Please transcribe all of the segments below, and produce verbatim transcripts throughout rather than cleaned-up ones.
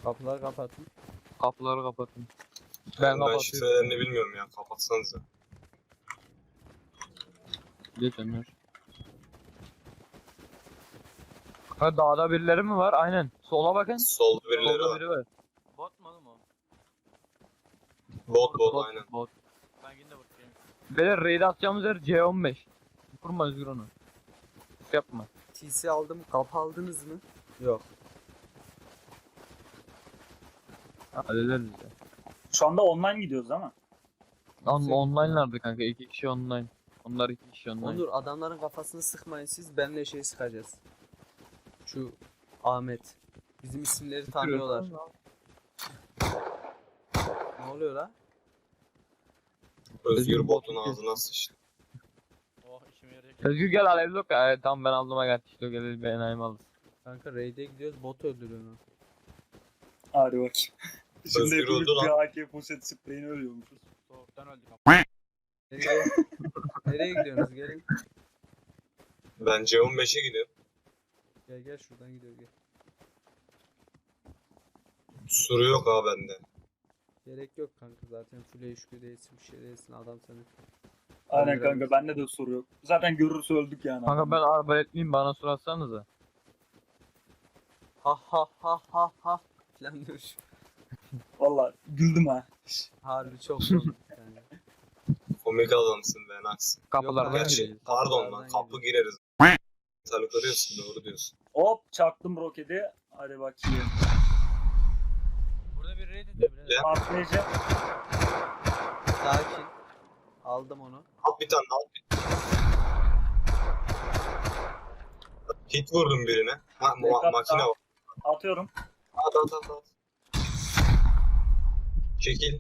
Kapıları kapatın. Kapıları kapatın. Ben Ben, ben kapatıyorum. şifrelerini bilmiyorum ya. Kapatsanıza. Geç Ömer. Ha dağda birileri mi var? Aynen. Sola bakın. Solda birileri Solda var. biri var. Bot mu oğlum o? Bot bot Bot, aynen. bot. Ben yine de bot değilim. Beyler raid atacağımız yer C on beş. Vurma Özgür onu. Yapma. T C aldım. Kapı aldınız mı? Yok. Hallederiz ya. Şu anda online gidiyoruz ama. On, online'lardı kanka. iki kişi online. Onlar iki kişi online. Onur adamların kafasını sıkmayın siz. Benle şey sıkacağız. Şu Ahmet. Bizim isimleri tanıyorlar. Ne oluyor la? Özgür Özgür botun botun ağzına sıçtı. Oh işime yarayacak. Özgür gel alevli yok. Evet, tamam ben aldım gel. İşte gel ben ayım aldım. Kanka raid'e gidiyoruz. Bot öldürüyor onu. Hadi bakayım. Şimdi Özgür hepimiz öldü lan. bir A K poşet spreyini ölüyormuşuz. Soğuktan öldük ama. Nereye, nereye gidiyorsunuz? Gelin. Ben C on beşe gidiyorum. Gel gel şuradan gidiyor gel. Suru yok ha bende. Gerek yok kanka zaten full H Q değilsin bir şey değilsin adam seni. Aynen Hadi kanka bende de soru yok. Zaten görürse öldük yani. Kanka ben arbaletliyim bana sorarsanıza. Ha ha ha ha ha falan diyor şu. Valla güldüm ha. Harbi çok komik yani. Komik adamsın be Nax. Kapılardan Yok, Gerçi gireceğiz. pardon lan Kapılardan kapı gireriz. Salıklarıyorsun doğru diyorsun. Hop çaktım roketi. Hadi bakayım. Burada bir raid ediyor bile. Ya. Patlayıcı. Sakin. Aldım onu. Al bir tane al. Hit vurdum birine. Ha, ma- Backup makine da. var. Atıyorum. At at at at. Çekil.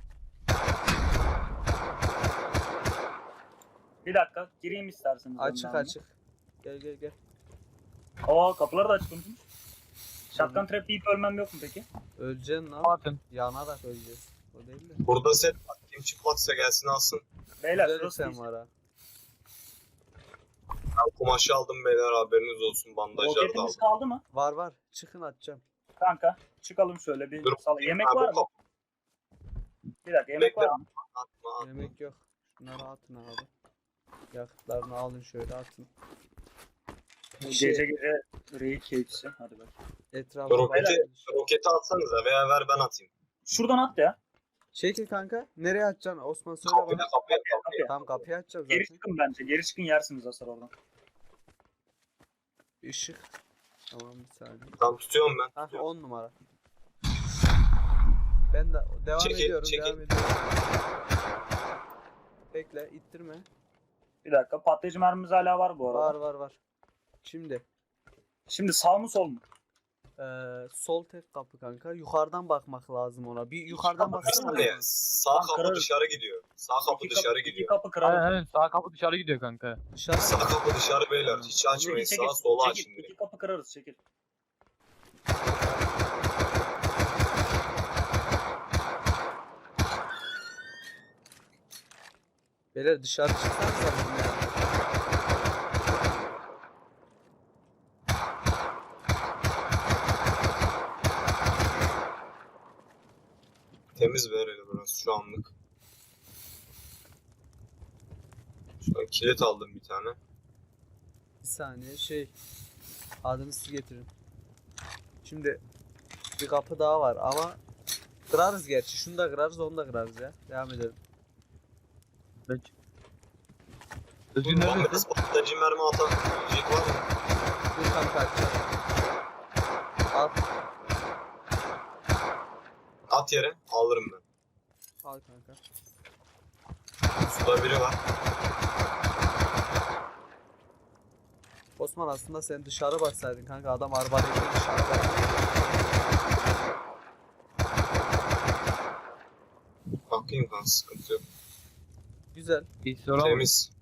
Bir dakika gireyim isterseniz. Açık önden. açık. Gel gel gel. Aa kapıları da açık unutmuş. Shotgun trap yiyip ölmem yok mu peki? Öleceksin lan. Atın. Yanarak öleceğiz. O değil de. Burada set var. Kim çıplaksa gelsin alsın. Beyler Güzel şurası sen değil. var ha. Ben kumaşı aldım beyler haberiniz olsun. Bandajlar da Roketimiz aldım. kaldı mı? Var var. Çıkın atacağım. Kanka çıkalım şöyle bir Dur. sala. Yemek Ha, bu var mı? kapı. Bir dakika yemek Bekle. var mı? Atma atma. Yemek yok. Şunları atın abi. Yakıtlarını alın şöyle atın. Bu Şey- Gece gece raid keyfisi. Hadi bak. Etrafa Roketi, bakın. roketi atsanıza veya ver ben atayım. Şuradan at ya. Çekil kanka. Nereye atacaksın? Osman söyle Kapıya bana. kapıya kapıya. Kapıya. Tamam kapıyı açacağım Geri zaten. çıkın bence. Geri çıkın yersiniz hasar oradan. Işık. Tamam bir saniye. Tamam tutuyorum ben. Hah Tutuyorum. on numara. Ben de devam Çekil, ediyorum çekil. devam ediyorum. Bekle ittirme. Bir dakika. Patlayıcı mermimiz hala var bu arada. Var var var. Şimdi Şimdi sağ mı sol mu? eee, sol tek kapı kanka. Yukarıdan bakmak lazım ona. Bir yukarıdan kapı Bir baksana. saniye. Sağ Tamam, kapı kırarız. dışarı gidiyor. Sağ kapı İki dışarı iki gidiyor. kapı Aynen kıralım. aynen sağ kapı dışarı gidiyor kanka. Dışarı. Sağ kapı dışarı beyler. Hiç açmayın. Çekil, Sağa sola çekil, açın çekil. direkt. İki kapı kırarız çekil. Beyler dışarı çıksanıza. Temiz ver hele burası şu anlık. Şu an kilit aldım bir tane. Bir saniye şey. Adını siz getirin. Şimdi bir kapı daha var ama kırarız gerçi. Şunu da kırarız onu da kırarız ya. Devam edelim. Özgür Bak neredesin? biraz patlayıcı mermi atan yiyecek var mı? Bir kanka açacağım. Al. At yere alırım ben. Al kanka. Suda biri var. Osman aslında sen dışarı baksaydın kanka adam arbaletle dışarıda. Bakayım kan sıkıntı yok. Güzel Bir soru ama. Temiz.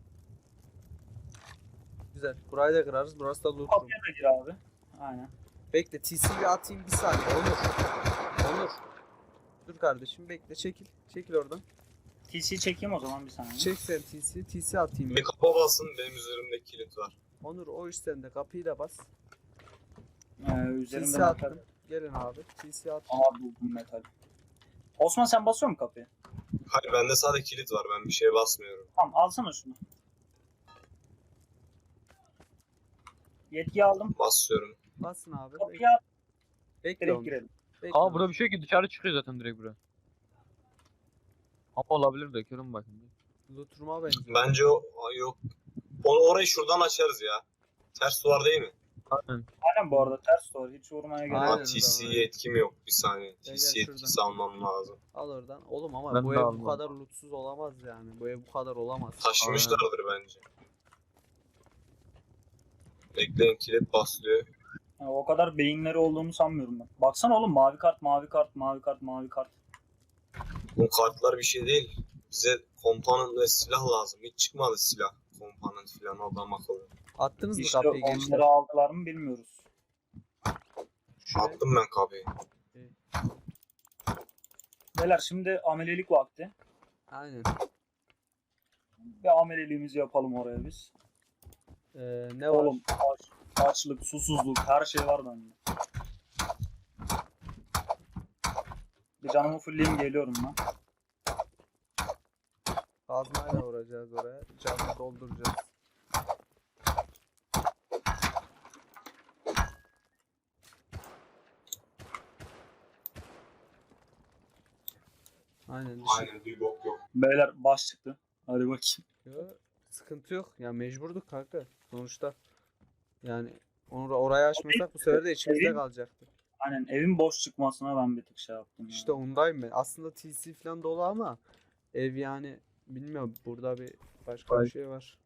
güzel. Burayı da kırarız. Burası da loot room. Kapıya da gir abi. Aynen. Bekle T C'yi atayım bir saniye. Onur. Onur. Dur kardeşim bekle çekil. Çekil oradan. T C çekeyim o zaman bir saniye. Çek sen T C'yi. T C atayım. Bir ben. kapa basın benim üzerimde kilit var. Onur o iş sende. Kapıyı da bas. Ee, üzerimden T C atarım. attım. Gelin abi. T C at. Aa buldum metal. Osman sen basıyor musun kapıyı? Hayır bende sadece kilit var. Ben bir şeye basmıyorum. Tamam alsana şunu. Yetki aldım. Basıyorum. Basın abi. Bek Kapıyı at. bekle Direkt onu. girelim. Bekle Aa onu. burada bir şey yok ki dışarı çıkıyor zaten direkt buraya. Ama olabilir de körüm bakın. Looturma benziyor. Bence o Aa, yok. Onu orayı şuradan açarız ya. Ters duvar değil mi? Aynen. Aynen bu arada ters doğru. Hiç vurmaya gerek Aynen. yok. Ama T C'ye etkim yok. Bir saniye. Gel, T C gel yetkisi şuradan. almam lazım. Al oradan. Oğlum ama Ben bu de ev bu almam. kadar lootsuz olamaz yani. Bu ev bu kadar olamaz. Taşımışlardır bence. Bekleyin kilit basılıyor. Yani o kadar beyinleri olduğunu sanmıyorum ben. Baksana oğlum mavi kart, mavi kart, mavi kart, mavi kart. Bu kartlar bir şey değil. Bize komponent ve silah lazım. Hiç çıkmadı silah. Komponent falan adam akıllı. Attınız mı İşte kapıyı gençler? onları aldılar mı bilmiyoruz. Şuraya. Attım ben kapıyı. Beyler şimdi amelelik vakti. Aynen. Bir ameleliğimizi yapalım oraya biz. Ee, ne var? Oğlum aç, açlık, susuzluk her şey var bende. Bir canımı fullleyeyim geliyorum ben. Kazmayla vuracağız oraya. Canını dolduracağız. Aynen. Dışı... Aynen bir bok yok. Beyler baş çıktı. Hadi bakayım. Yo, sıkıntı yok. Ya mecburduk kanka. Sonuçta. Yani onu orayı açmasak bu sefer de içimizde Evin- kalacaktı. Aynen evin boş çıkmasına ben bir tık şey yaptım. ya. İşte ondayım ben. Aslında T C falan dolu ama ev yani bilmiyorum burada bir başka bir Vay. şey var.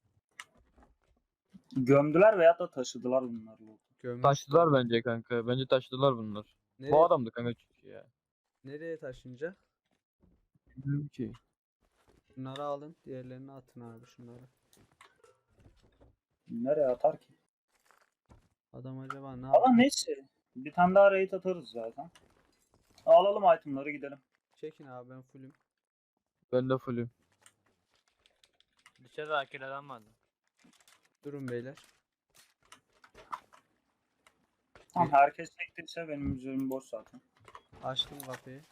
Gömdüler veyahut da taşıdılar bunları. Gömmüş. Taştılar bence kanka. Bence taştılar bunlar. Nereye, Bu adamdı kanka çünkü ya. nereye taşınca? Bilmiyorum ki. Bunları alın. Diğerlerini atın abi şunları. Nereye atar ki? Adam acaba ne Ama yapıyor? neyse. Bir tane daha raid atarız zaten. Alalım itemları gidelim. Çekin abi ben fullüm. Ben de fullüm. Dışarıda akil adam vardı. Durun beyler. Tamam herkes çektiyse benim üzerim boş zaten. Açtım kapıyı.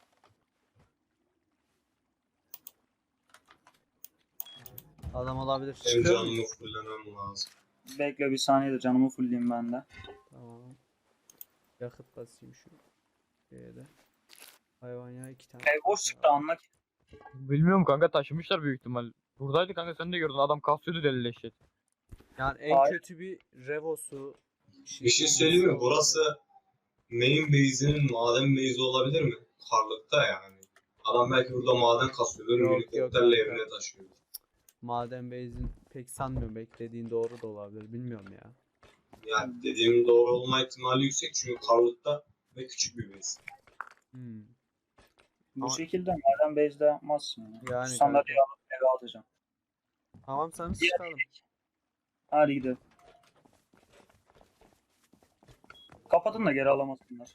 Adam olabilir. Benim Çıkıyor mu? canımı fullemem lazım. Bekle bir saniye de canımı fullleyeyim ben de. Tamam. Yakıt basayım şu şeye de. Hayvan ya iki tane. Ev boş çıktı anla ki. Bilmiyorum kanka taşımışlar büyük ihtimal. Buradaydı kanka sen de gördün adam kasıyordu deli leşet. Yani en Hayır. kötü bir Revo'su. Bir şey söyleyeyim mi? Burası main base'inin maden base'i olabilir mi? Karlıkta yani. Adam belki burada maden kasıyordur. Yok, Helikopterle yok kanka. evine taşıyor. Maden Base'in pek sanmıyorum. Beklediğin doğru da olabilir. Bilmiyorum ya. Yani dediğim doğru olma ihtimali yüksek çünkü karlıkta ve küçük bir base. Hmm. Bu Ama- şekilde madem base'de yapmazsın. Yani. Yani Şu sandalyeyi alıp eve atacağım. Tamam sen Diğer çıkalım. Hadi gidelim. Kapatın da geri alamasınlar.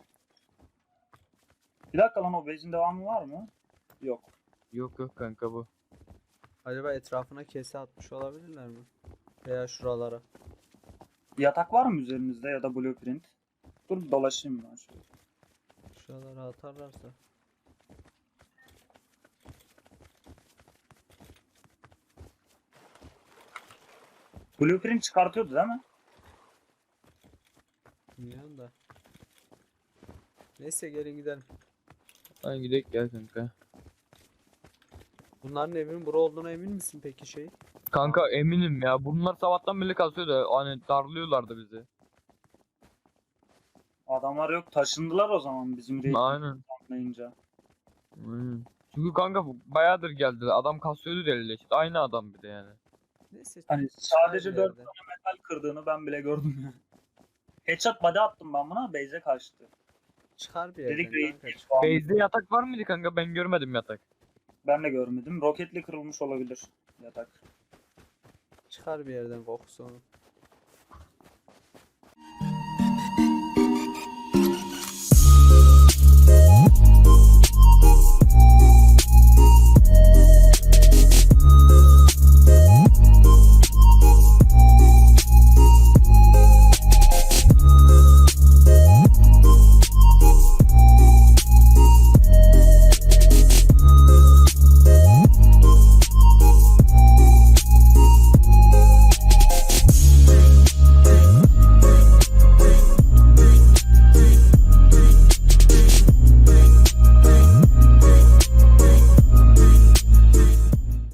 Bir dakika lan o base'in devamı var mı? Yok. Yok yok kanka bu. Acaba etrafına kese atmış olabilirler mi? Veya şuralara. Yatak var mı üzerinizde ya da blueprint? Dur bir dolaşayım ben şöyle. Şuralara atarlarsa. Blueprint çıkartıyordu değil mi? Bilmiyorum da. Neyse gelin gidelim. Hadi gidelim gel kanka. Bunların evinin bura olduğuna emin misin peki şey? Kanka eminim ya bunlar sabahtan beri kasıyordu hani darlıyorlardı bizi. Adamlar yok taşındılar o zaman bizim raid Aynen. anlayınca. Aynen. Çünkü kanka bu bayağıdır geldi adam kasıyordu deli leşet. Aynı adam bir de yani. Neyse. Hani çıkar sadece bir dört yerden. tane metal kırdığını ben bile gördüm ya. Headshot body attım ben buna base'e kaçtı. Çıkar bir Dedik yerden raid kanka. değil çık- şu an. Base'de yatak var mıydı kanka ben görmedim yatak. Ben de görmedim. Roketli kırılmış olabilir yatak. Çıkar bir yerden kokusu onu.